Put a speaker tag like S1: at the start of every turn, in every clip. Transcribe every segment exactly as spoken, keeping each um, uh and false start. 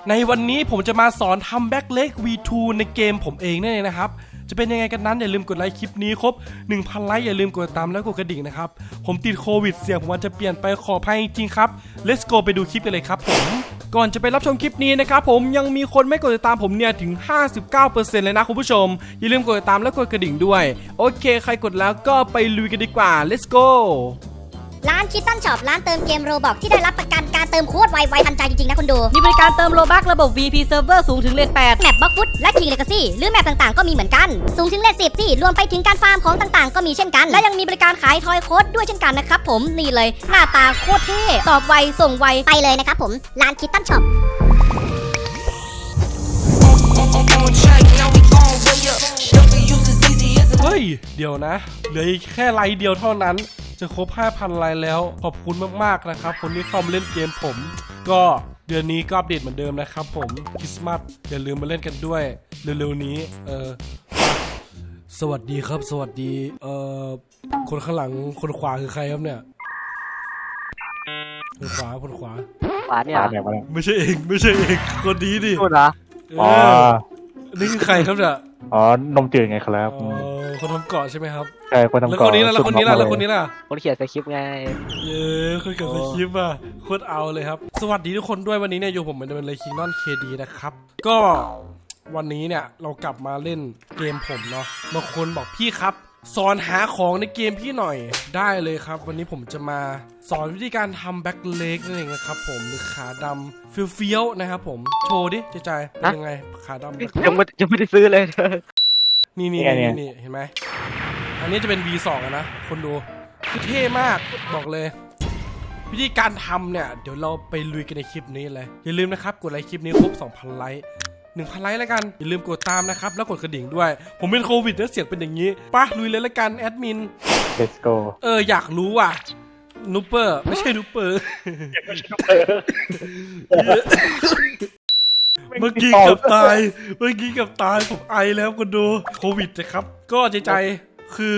S1: ในวันนี้ผมจะมาสอนทำแบ็คเล็ก วี ทู ในเกมผมเองนั่นเองนะครับจะเป็นยังไงกันนั้นอย่าลืมกดไลค์คลิปนี้ครบ หนึ่งพัน ไลค์อย่าลืมกดตามแล้วกดกระดิ่งนะครับผมติดโควิดเสียงผมอาจจะเปลี่ยนไปขออภัยจริงๆครับ let's go ไปดูคลิปกันเลยครับผมก่อนจะไปรับชมคลิปนี้นะครับผมยังมีคนไม่กดติดตามผมเนี่ยถึง ห้าสิบเก้าเปอร์เซ็นต์ เลยนะคุณผู้ชมอย่าลืมกดติดตามและกดกระดิ่งด้วยโอเคใครกดแล้วก็ไปลุยกันดีกว่า let's go
S2: ร้านคิตตันช็อปร้านเติมเกมโรบอกที่ได้รับประกันการเติมโคตรไวไวทันใจจริงๆนะคุณดู
S3: มีบริการเติมโลบัคระบบ วี พี Server สูงถึงเลทแปด
S2: แมปบล็อกฟุตและคิงเลกาซี่หรือแมปต่างๆก็มีเหมือนกันสูงถึงเลทสิบที่รวมไปถึงการฟาร์มของต่างๆก็มีเช่นกันและยังมีบริการขายทอยโค้ดด้วยเช่นกันนะครับผมนี่เลยหน้าตาโคตรเท่ตอบไวส่งไวไปเลยนะครับผมร้านคิตตันช็อป
S1: เฮ้ยเดี๋ยวนะเหลือแค่ไลค์เดียวเท่านั้นจะครบ ห้าพัน ไลค์แล้วขอบคุณมากๆนะครับคนที่เข้ามาเล่นเกมผมก็เดือนนี้ก็อัปเดตเหมือนเดิมนะครับผมคริสต์มาสอย่าลืมมาเล่นกันด้วยเร็วๆนี้เออสวัสดีครับสวัสดีเอ่อคนข้างหลังคนขวาคือใครครับเนี่ยคนขวาคนขวา
S3: ขวาเนี่ย
S1: ไม่ใช่เองไม่ใช่เองคนนี้ดิ
S3: พูดเหรอ
S1: อ๋อนี่คือใครครับเนี่ย
S4: อ๋อนมจืดไงครับ
S1: อ๋อคนทำเกาะใช่ไหมครับ
S4: ใช่คนทำเกาะ
S1: แล้วคนนี้ล่ะแล้วคนนี้ล่ะแล้วคนนี้ล่ะ
S3: คนเขียนสคริปต์ไง
S1: เย้คนเขียนสคริปต์อ่ะโคตรเอาเลยครับสวัสดีทุกคนด้วยวันนี้เนี่ยอยู่ผมเหมือนเดิมเลยคิงนอนเคดีนะครับก็วันนี้เนี่ยเรากลับมาเล่นเกมผมเนาะบางคนบอกพี่ครับสอนหาของในเกมพี่หน่อยได้เลยครับวันนี้ผมจะมาสอนวิธีการทำแบ็คเล็กนั่นเองนะครับผมหรือขาดำเฟี้ยวๆนะครับผมโชว์ดิใจใจเป็นยังไงขาดำ
S3: ยังไม่ยังไม่ได้ซื้อเลย
S1: นี่นี่นี่นี่เห็นไหมอันนี้จะเป็น วี สอง นะคนดูคือเท่มากบอกเลยวิธีการทำเนี่ยเดี๋ยวเราไปลุยกันในคลิปนี้เลยอย่าลืมนะครับกดไลค์คลิปนี้ครบ สองพัน ไลค์หนึ่งพัน ไลค์แล้วกันอย่าลืมกดตามนะครับแล้วกดกระดิ่งด้วยผมเป็นโควิดแล้วเสียงเป็นอย่างนี้ป่ะลุยเลยแล้วกันแอดมิน
S4: let's go
S1: เอออยากรู้ว่ะนูเปอร์ไม่ใช่นูเปอร์เมื่อกี้กับตายเมื่อกี้กับตายผมไอแล้วคนดูโควิดนะครับก็ใจใจคือ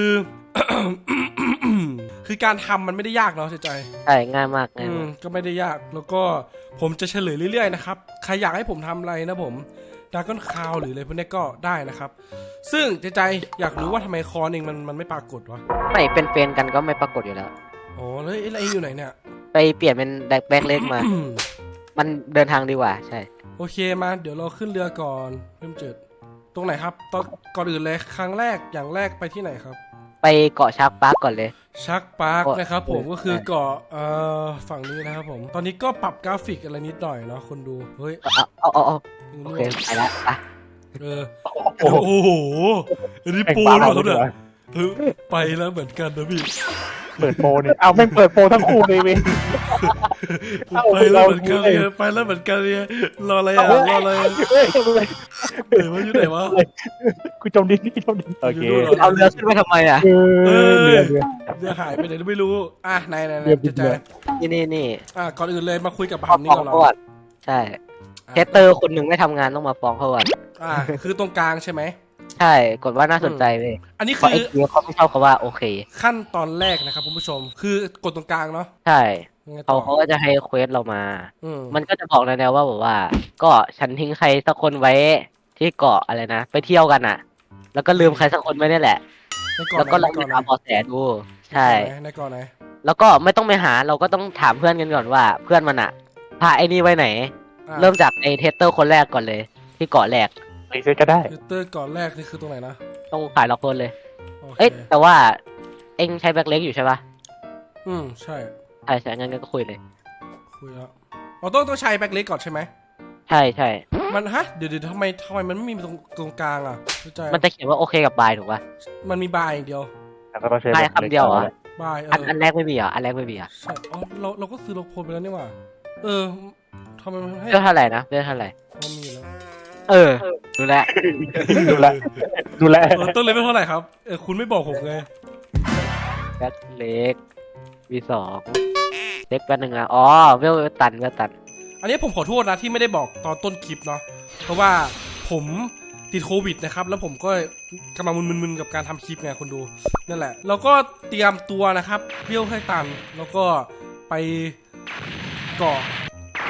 S1: คือการทำมันไม่ได้ยากเนาะใจใจ
S3: ใช่ง่ายมากง่าย
S1: ก็ไม่ได้ยากแล้วก็ผมจะเฉลยเรื่อยๆนะครับใครอยากให้ผมทำอะไรนะผมดราก้อนคาวหรืออะไรพวกนี้ก็ได้นะครับซึ่งใจใจอยากรู้ว่าทำไมคอนเองมันมันไม่ปรากฏวะ
S3: ไม่เป็นเฟนกันก็ไม่ปรากฏอยู่แล้ว
S1: อ๋อแล้วไอ้อยู่ไหนเนี่ย
S3: ไปเปลี่ยนเป็นแบ็คเล็กมา มันเดินทางดีกว่าใช่
S1: โอเคมาเดี๋ยวเราขึ้นเรือก่อนเริ่มจุดตรงไหนครับตอนก่อนอื่นเลยครั้งแรกอย่างแรกไปที่ไหนครับ
S3: ไปเกาะชักปาร์กก่อนเลย
S1: ชักปาร์กนะครับผมก็คือเกาะเอ่อฝั่งนี้นะครับผมตอนนี้ก็ปรับกราฟิกอะไรนิดหน่อยเนาะคนดูเฮ้ย
S3: เอาเอาเอาโอเคไปแล้วไป
S1: เออโอ้โหอันนี้ปูนเหรอครับเนี่ยไปแล้วเหมือนกันนะพี่
S4: เปิดโปรเนี่ยเอาไม่เปิดโปรทั้งคู่เลยเว้ย
S1: ไปแล้วเหมือนกันเลยไปแล้วเหมือนกันเลยรออะไรอ่ะรออะไรเดี๋ยวว่าอยู่ไหนวะ
S4: กูจมดินนี่จมดินโอเค
S3: เอาเรือขึ้นไปทำไมอ่ะ
S1: เออเรือเรือหายไปไหนไม่รู้อ่ะไหนไหนไหนจะใจ
S3: นี่นี่นี่
S1: อ่ะก่อนอื่นเลยมาคุยกับบัมนี่ก่อนเรา
S3: ใช่เทสเตอร์คนหนึ่งไม่ทำงานต้องมาฟ้องเขาก่อน
S1: อ่ะคือตรงกลางใช่ไหม
S3: ใช่กดว่าน่าสนใจเลย
S1: อันนี้คือ
S3: ไอ้เขาไม่ชอบเขาว่าโอเค
S1: ขั้นตอนแรกนะครับคุณผู้ชมคือกดตรงกลางเนาะ
S3: ใช่เขาเขาก็จะให้เควสเรามามันก็จะบอกแนวว่าแบบว่าก็ฉันทิ้งใครสักคนไว้ที่เกาะอะไรนะไปเที่ยวกันอ่ะแล้วก็ลืมใครสักคนไว้นี่แหละแล้วก็ลองไปหาเบาะแสดูใช่
S1: ในเกาะไหน
S3: แล้วก็ไม่ต้องไปหาเราก็ต้องถามเพื่อนกันก่อนว่าเพื่อนมันอ่ะพาไอ้นี่ไว้ไหนเริ่มจากไอ้เทสเตอร์คนแรกก่อนเลยที่เกาะแรก
S4: ไปซื้อก็ได้
S1: เตอร์ก่อนแรกนี่คือตรงไหนนะ
S3: ต้องขายล็อกคนเลยเอ้ยแต่ว่าเอ็งใช้แบ็คเล็กอยู่ใช่ปะ
S1: อืมใช่
S3: ใช่ใช่งั้นก็คุยเลย
S1: คุยแล้วเราต้องต้องใช้แบ็คเล็กก่อนใช่ไหม
S3: ใช่ใช่
S1: มันฮะเดี๋ยวเดี๋ยวทำไมทำไมมันไม่มีตรงตรงกลางอ่ะ
S3: มันจะเขียนว่าโอเคกับบายถูกปะ
S1: มันมีบายอย่างเดียว
S3: บายคำเดียวอ่ะ
S1: บาย
S3: อันอันแรกไม่มีอ่ะอันแรกไม่มีอ่ะ
S1: ใช่อ๋อเราเราก็ซื้อล็อกโพลไปแล้วนี่หว่าเออทำไมมันให้
S3: เรื่องเท่าไหร่นะเรื่องเท่าไหร่
S1: มันมีแล้ว
S3: เออดูแล
S4: ดูแลดูแล
S1: ต้นเลยไม่เท่าไหร่ครับเออคุณไม่บอกผมไง
S3: แบ็คเล็กวีสองเล็กแป๊บนึงอ่ะอ๋อเวลตันเวลตัน
S1: อันนี้ผมขอโทษนะที่ไม่ได้บอกตอนต้นคลิปเนาะเพราะว่าผมติดโควิดนะครับแล้วผมก็กำลังมึนๆกับการทำคลิปไงคนดูนั่นแหละเราก็เตรียมตัวนะครับเวลให้ตันแล้วก็ไปเกาะเก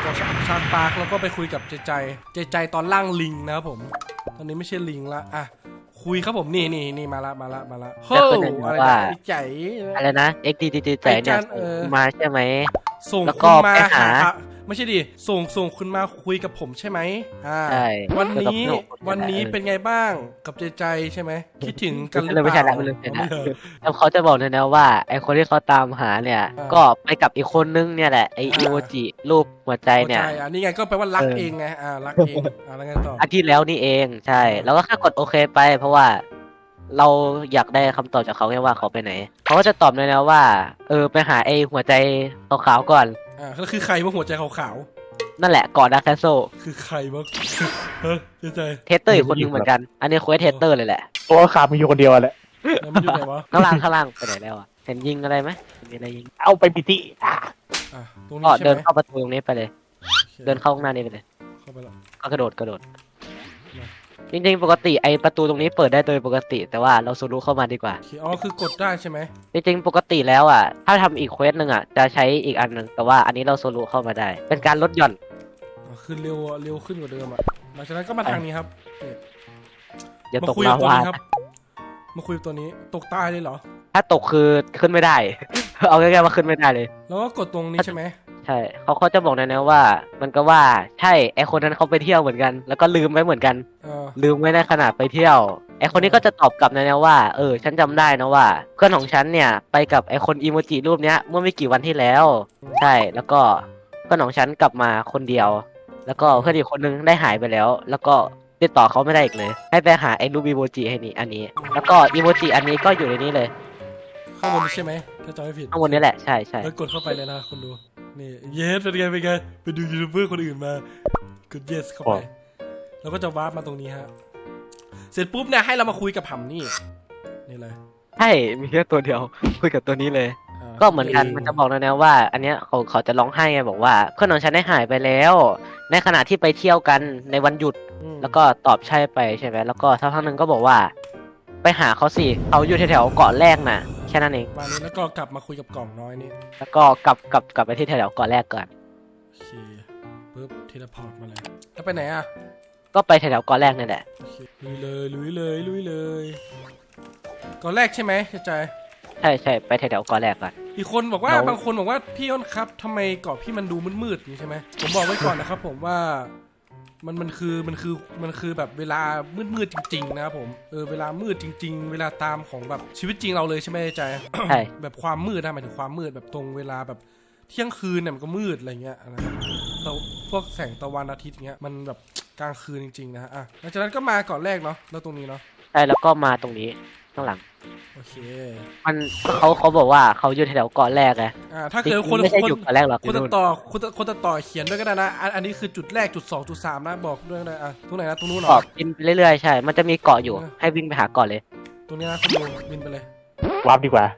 S1: ของชาร์ปาร์คแล้วก็ไปคุยกับใจใจใจใจตอนล่างลิงนะครับผมตอนนี้ไม่ใช่ลิงละอ่ะคุยครับผมนี่นี่นี่มาละมาละมาละเฮ้ยอะไรนะไอ้ใจ
S3: อะไรนะ เอ็กซ์ ดี ดี ใจเนี่ยมาใช่ไหม
S1: ส่ง
S3: แล้ว
S1: คุ
S3: ก็
S1: ณมา
S3: ไปหา
S1: หาไม่ใช่ดิส่งส่งคุณมาคุยกับผมใช่ไหมอ่า
S3: ใช่
S1: วันนี้
S3: แล้วก็
S1: วันนี้เป็นไงบ้างกับใจใจใช่ไหมคิดถึงกันหรือเป
S3: ไม่ใช่
S1: ล่า
S3: ละไม่ใช่ละแล้วเขาจะบอกเลยนะว่าไอคนที่เขาตามหาเนี่ย
S1: อ่า
S3: ก็ไปกับอีกคนนึงเนี่ยแหละไอ
S1: อ่า
S3: อีโมจิรูปหัวใจเนี่ย
S1: หัวใจอ่ะนี่ไงก็แปลว่ารัก
S3: เออ
S1: เองไงอ่ารักเองอ่าแล้วไงต่อ
S3: อาทิตย์แล้วนี่เองใช่ แล้วก็แค่กดโอเคไป เพราะว่าเราอยากได้คำตอบจากเขาแค่ว่าเขาไปไหนเขาก็จะตอบเลยนะว่าเออไปหาไอหัวใจขาวๆก่อน
S1: อ่าแล้วคือใครว่าหัวใจขาว
S3: นั่นแหละก่อนดาร์คแคสโซ
S1: ๆคือใครวะเฮ้ยใจใจ
S3: เทสเตอร์อีกคนนึงเหมือนกัน อันนี้เควสเทสเตอร์เลยแหละ
S4: เพราะว่าขามีอยู่คนเดียวแหละ
S1: แล้วมันอยู่ไหนวะ
S3: ข้างล่างข้างล่างไปไหนแล้วอ่ะเห็นยิงอะไรไหมมีอะไรยิง
S4: เอาไปปิติอ่ะ
S1: อ่ะตรง
S3: ก็
S1: นี้ใช่
S3: เดิน
S1: ไหม
S3: เข้าประตูตรงนี้ไปเลย
S1: โอค
S3: เดินเข้าข้างหน้านี้ไปเลย
S1: เข้าไปแล้ว
S3: ก็กระโดดกระโดด จริงๆปกติไอประตูตรงนี้เปิดได้โดยปกติ แต่ว่าเราสูรุเข้ามาดีกว่า
S1: โอเคอ๋อคือกดได้ใช่ไหม
S3: จริงๆปกติแล้วอ่ะถ้าทำอีกเควสหนึ่งอ่ะจะใช้อีกอันหนึ่งแต่ว่าอันนี้เราโซลูเข้ามาได้ เป็นการลดหย่อน
S1: อ๋อคือเร็วเร็วขึ้นกว่าเดิมอ่ะหลังจากนั้นก็มาทางนี้ครับนี่
S3: อย่า
S1: มา
S3: ตก
S1: คุย
S3: ลา
S1: กับตัว
S3: วา
S1: นี้ครับมาคุยกับตัวนี้ตกตายเลยเหรอ
S3: ถ้าตกคือขึ้นไม่ได้ เอาง่ายๆว่าขึ้นไม่ได้เลย
S1: แล้วก็กดตรงนี้ใช่ไหม
S3: ใช่เขาเขาจะบอกนะนะว่า มันก็ว่าใช่ไอคนนั้นเขาไปเที่ยวเหมือนกัน แล้วก็ลืมไว้เหมือนกัน
S1: เออ
S3: ลืมไว้ในขณะไปเที่ยว ไอคนนี้ก็จะตอบกลับนะนะว่าเออฉันจำได้นะว่า เพื่อนของฉันเนี่ยไปกับไอคนอีโมจิรูปเนี้ยเมื่อไม่กี่วันที่แล้ว ใช่แล้วก็เพื่อนของฉันกลับมาคนเดียว แล้วก็เพื่อนอีกคนนึงได้หายไปแล้ว แล้วก็ติดต่อเขาไม่ได้อีกเลย ให้ไปหาไอรูปอีโมจิให้นี่อันนี้ แล้วก็อีโมจิอันนี้ก็อยู่ในนี้เลย
S1: ข้างบนนี้ใช่ไหมถ้าจำไม่ผิด
S3: ข้างบนนี้แหละใช่ใช่
S1: แล้วกดเข้าไปเลยนะคนดูนี่เยสเป็นไงเป็นไงไปดูยูทูบเบอร์คนอื่นมากด yes เข้าไปแล้วก็จะวาร์ปมาตรงนี้ฮะเสร็จปุ๊บเนี่ยให้เรามาคุยกับหำนี่นี่เลย
S3: ใช่มีแค่ตัวเดียวคุยกับตัวนี้เลย
S1: า
S3: ก็เหมือนกันมันจะบอกนะนะว่า อันเนี้ยเขาเขาจะร้องไห้ไงบอกว่าเพื่อนของฉันได้หายไปแล้ว ในขณะที่ไปเที่ยวกันในวันหยุด
S1: อืม
S3: แล้วก็ตอบใช่ไปใช่ไหมแล้วก็สักพักหนึ่งก็บอกว่า ไปหาเขาสิเขาอยู่แถวๆเกาะแรกน่ะแค่นั้นเอง
S1: มานี้แล้วก็กลับมาคุยกับกล่องน้อยนี่
S3: แล้วก็กลับกลับกลับไปที่แถวๆเกาะแรกก่อน
S1: โอเคปุ๊บเทเลพอร์ตมาเลยแล้วไปไหนอ่ะ
S3: ก็ไปแถวๆเกาะแรกนั่นแหละ
S1: โอเคลุยเลยลุยเลยลุยเลยก่อนแรกใช่ไหมเข้าใจ
S3: ใช่ใช่ไปแถวๆเกาะแรกก่อน
S1: อีกคนบอกว่า
S3: เรา
S1: บางคนบอกว่าพี่อ้นครับทำไมเกาะพี่มันดูมืดๆอย่างนี้ใช่ไหมผมบอกไว้ก่อนนะครับผมว่ามันมันคือมันคือมันคือแบบเวลามืดๆจริงๆนะครับผมเออเวลามืดจริง ๆ เวลาตามของแบบชีวิตจริงเราเลยใช่ไหมใจ
S3: ใช่
S1: แบบความมืดนะหมายถึงความมืดแบบตรงเวลาแบบเที่ยงคืนเนี่ยมันก็มืดอะไรเงี้ยนะครับแต่พวกแสงตะวันอาทิตย์เงี้ยมันแบบกลางคืนจริงๆนะฮะอ่ะหลังจากนั้นก็มาก่อนแรกเนาะแล้วตรงนี้เนาะ
S3: ใช่แล้วก็มาตรงนี้ข้างหลัง
S1: โอเค
S3: มันเขาเขาบอกว่าเขาอยู่แถวๆเกาะแรกไง
S1: อ่าถ้าเกิดคน
S3: ไม่ใช่
S1: คน
S3: อยู่เกาะแรกหรอก
S1: คนตัดต่อคนตัดคนตัดต่อเขียนด้วยก็ได้นะอันอันนี้คือจุดแรกจุดสองจุดสามนะบอกด้วยก็ได้อ่ะตรงไหนนะตรงนู้นเหร
S3: เกาะ
S1: อ
S3: บินไปเรื่อยๆใช่ มันจะมีเกาะอยู่
S1: เออ
S3: ให้วิ่งไปหาเกาะเลย
S1: ตรงนี้นะคุณดูบินไปเลย
S4: วาร์ปดีกว่า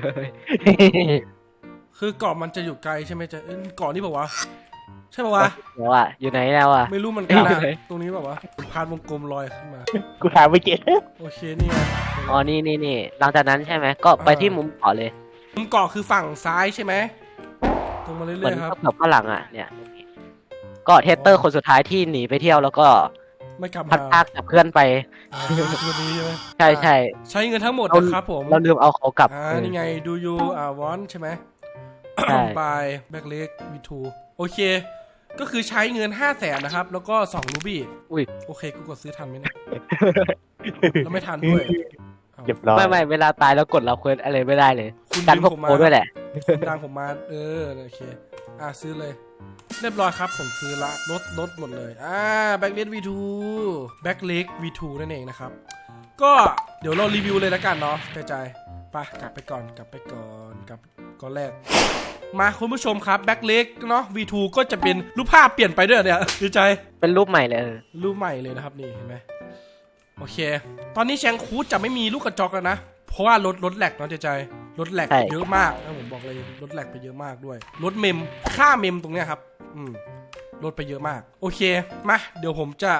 S1: คือเกาะมันจะอยู่ไกลใช่ไหมจะเอ้ยเกาะนี่บอกว่าวะใช่ป่าวะ
S3: เดี๋ยวอ่ะอยู่ไหนแล้วอ่ะ
S1: ไม่รู้เหมือนกันนะ
S3: อยู่ไหน
S1: ตรงนี้บอกว่าวะพานวงกลมลอยขึ้นมา
S4: กูหาไม่เจอ
S1: โอเคนี่ไง
S3: อ๋อนี่นี่นี่หลังจากนั้นใช่ไหมก็ไปที่มุมเกาะเลย
S1: มุมเกาะคือฝั่งซ้ายใช่ไหมตรงมาเรื่
S3: เหมือ
S1: อน ยๆครับ
S3: กับข้างหลังอ่ะเนี่ยก็เทสเตอร์คนสุดท้ายที่หนีไปเที่ยวแล้วก็
S1: ไม่กลับ
S3: พัด
S1: มา
S3: พากกับเพื่อนไป
S1: อ่าคือตัวนี้ใช่ไหม
S3: ใช่ใช่
S1: ใช้เงินทั้งหมด
S3: เรา
S1: นะครับผม
S3: เราลืมเอาเขากลับ
S1: อ่านี่ไงดูยูอ่าวอนใช่ไหม
S3: ใช่
S1: บายแบ็กเล็กวีทูโอเค ก็คือใช้เงินห้าแสนนะครับ แล้วก็สองรูบี้
S3: อุ้ย
S1: โอเค กูกดซื้อทันไหมเนี่ย แล้วไม่ทันด้วยอ้าว
S4: เรียบร้อย
S3: ไม่ไม่เวลาตายแล้วกดเราเควสอะไรไม่ได้เลย
S1: คุณ
S3: ดัน
S1: ดึง
S3: พวก
S1: ผม
S3: โป
S1: มา
S3: ด้วยแหละ
S1: คุณดังผมมา เออ โอเค อ่ะ ซื้อเลย เรียบร้อยครับ ผมซื้อละลดลดหมดเลย อ่าแบ็กเล็กวีทูแบ็กเล็กวีทูนั่นเองนะครับ ก็เดี๋ยวเรารีวิวเลยแล้วกันเนาะกระจายไปกลับไปก่อน กลับไปก่อนกลับก่อนแรก มาคุณผู้ชมครับแบ็กเล็กเนาะ วีทู ก็จะเป็นรูปภาพเปลี่ยนไปด้วยเนี่ยดีใจ
S3: เป็นรูปใหม่เลยเออ
S1: รูปใหม่เลยนะครับนี่เห็นไหมโอเค ตอนนี้แชงคูดจะไม่มีลูกกระจอกแล้วนะ เพราะว่ารถรถแหลกเนาะใจใจรถแหลกเยอะมากนะผมบอกเลยรถแหลกไปเยอะมากด้วยรถเมมค่าเมมตรงเนี้ยครับอืมลดไปเยอะมากโอเคมาเดี๋ยวผมจะ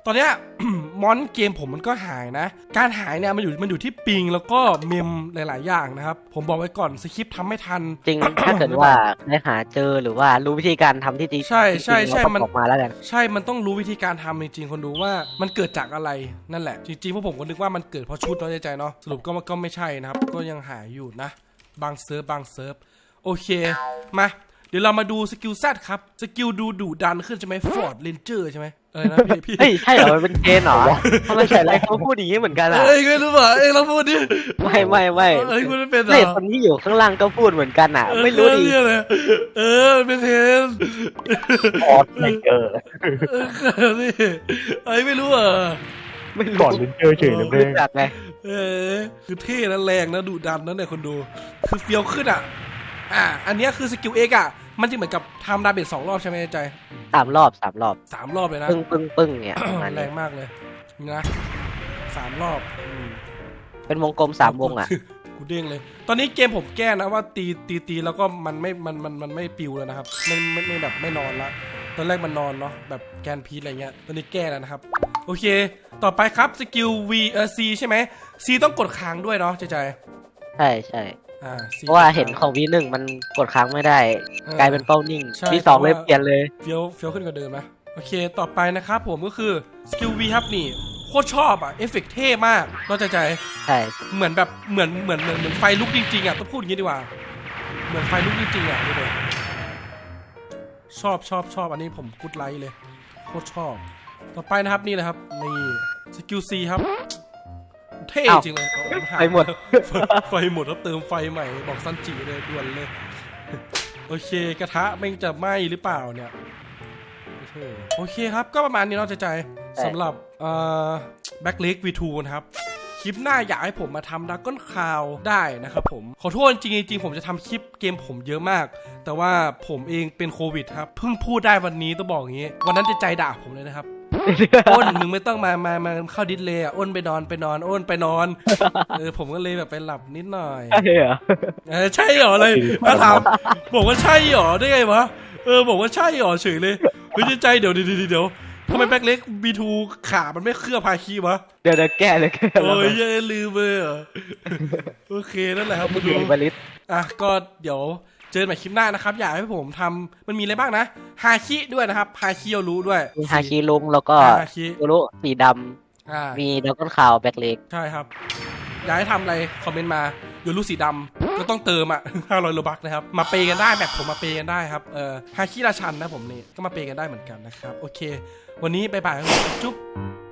S1: ตอนเนี้ย มอนเกมผมมันก็หายนะ การหายเนี่ยมันอยู่มันอยู่ที่ปิงแล้วก็เมมหลายๆอย่างนะครับผมบอกไว้ก่อนสคริปต์ทำไม่ทัน
S3: จริง ถ้าเกิดว่าได้หาเจอหรือว่ารู้วิธีการทำที่จริง
S1: ใช่ใช่ใช่
S3: จริงๆ
S1: มัน
S3: เราก็ออกมาแล้วกัน
S1: ใช่มันต้องรู้วิธีการทำจริงๆคนดูว่ามันเกิดจากอะไรนั่นแหละจริงๆพวกผมก็นึกว่ามันเกิดเพราะชุดน้อยใจเนาะสรุปก็ก็ไม่ใช่นะครับก็ยังหายอยู่นะบางเซิร์ฟบางเซิร์ฟโอเคมาเดี๋ยวเรามาดูสกิลแซดครับสกิลดูดุดันขึ้นใช่ไหมฟอร์ดเรนเจอร์ใช่ไหมเออนะพี่พี่
S3: เฮ้ย ใช่เหรอ มันเป็นเกณฑ์เหรอทำไมใส่อะไรเขาพูดอย่างนี้เหมือนกันอ่ะ
S1: เอ้ยไม่รู้ป่ะเอ้ยเราพูดดิ
S3: ไม่ไม่ไม่
S1: เอ้ยคุณไม่เป็นเหร
S3: เด็ก
S1: อ
S3: คนที่อยู่ข้างล่างก็พูดเหมือนกันอ่ะ ไม่รู้ดิ
S1: เออเลยเออเป็นเทน
S4: ออดไม่เจอ
S1: เออนี่ไอ้ยไม่รู้เหรอ
S3: ไม่รู้
S4: ก่อนเป็นเจอเฉยเลย
S3: ไม่รู้จักไง
S1: เออคือเท่นะแรงนะดุดันนะเนี่ยคนดูคือเฟี้ยวขึ้นอ่ะอ่ะอันเนี้ยคือสกิลเอ็กอ่ะมันจะเหมือนกับทำดาเมจสองรอบใช่ไหมใจ
S3: สามรอบสามรอบ
S1: สามรอบเลยนะ
S3: ปึ้งปึ้งปึ้งเนี่ยประมาณ
S1: แร
S3: นี้
S1: งมากเลยนี่นะสามรอบอืม
S3: เป็นวงกลมสามวงอ่ะ
S1: กูเด้งเลย ตอนนี้เกมผมแก้นะว่าตีตีตีแล้วก็มันไม่มันมันมันไม่ปิวแล้วนะครับไม่ไม่ไม่แบบไม่นอนละตอนแรกมันนอนเนาะแบบแกนพีทอะไรเงี้ยตอนนี้แก้แล้วนะครับโอเค ต่อไปครับสกิล V เออ C ใช่ไหม C ต้องกดค้างด้วยเนาะใจใจ
S3: ใช่ใช่
S1: อ่า C
S3: เพราะว่าเห็นของวีหนึ่งมันกดค้างไม่ได้
S1: เออก
S3: ลายเป็นเป้านิ่ง
S1: ใช่
S3: วีสอง
S1: เพ
S3: เล
S1: ราะ
S3: ย
S1: ว่า
S3: เปลี่ยนเลย
S1: เฟี้ยวเฟี้ยวขึ้นกว่าเดิมนะโอเคต่อไปนะครับผมก็คือสกิล V ครับนี่โคตรชอบอ่ะเอฟเฟกต์เท่มากเนาะใจใจ
S3: ใช่
S1: เหมือนแบบเหมือนเหมือนเหมือนเหมือนไฟลุกจริงๆอ่ะต้องพูดอย่างนี้ดีกว่าเหมือนไฟลุกจริงๆอ่ะดูเลยชอบชอบชอบอันนี้ผมกูดไลค์เลยโคตรชอบต่อไปนะครับนี่เลยครับนี่สกิลซีครับเท่จริงเลยเอาเอาา
S3: ไปหมด
S1: ไฟไฟหมดแล้วเติมไฟใหม่บอกซันจิเลยด่วนเลยโอเคกระทะแม่งจะไหม้หรือเปล่าเนี่ยโอเคครับก็ประมาณนี้เนาะใจใจสำหรับเอ่อแบ็คเล็ก วี ทู นะครับคลิปหน้าอยากให้ผมมาทำดักก้นคาวได้นะครับผมขอโทษจริงๆจริงๆผมจะทำคลิปเกมผมเยอะมาก แต่ว่าผมเองเป็นโควิดครับเพิ่งพูดได้วันนี้ต้องบอกอย่างนี้วันนั้นจะใจด่าผมเลยนะครับ อ้นมึงไม่ต้องมามามาเข้าดิสเลยอ่ะอ้นไปนอนไปนอนอ้นไปนอนเออผมก็เลยแบบไปหลับนิดหน่อย
S3: ใช่เหรอ
S1: เออใช่เหรอเลยมาถามบอกว่าใช่เหรอได้ไงวะเออบอกว่าใช่เหรอเฉยเลยเฮ้ยใจเดี๋ยวเดี๋ยวเดี๋ยวทำไมแบ็คเล็ก บี ทู ขามันไม่เคลือบพาคีวะ
S3: เดี๋ยวเดี๋ยวแก้เลยแก้
S1: โอ้ยยังลืมเลยเหรอโอเคนั่นแหละครับ
S3: ไม่
S1: ดู
S3: ดีบริษ
S1: อ่ะก็เดี๋ยวเจอกันใหม่คลิปหน้านะครับอยากให้ผมทำมันมีอะไรบ้างนะฮาคิด้วยนะครับฮาคิเอารู้ด้วย
S3: มีฮาคิลุงแล้วก็
S1: ฮาคิ
S3: โอรุสีด
S1: อ่า
S3: ำมีดักก้นคาวแบ็คเล็ก
S1: ใช่ครับอยากให้ทำอะไรคอมเมนต์มาโยรูสีดำก็ต้องเติมอ่ะ ห้าร้อยโลบักนะครับมาเปย์กันได้แบบผมมาเปย์กันได้ครับเออฮาคิราชันนะผมนี่ก็มาเปย์กันได้เหมือนกันนะครับโอเค วันนี้บ๊ายบายครับจุ๊บ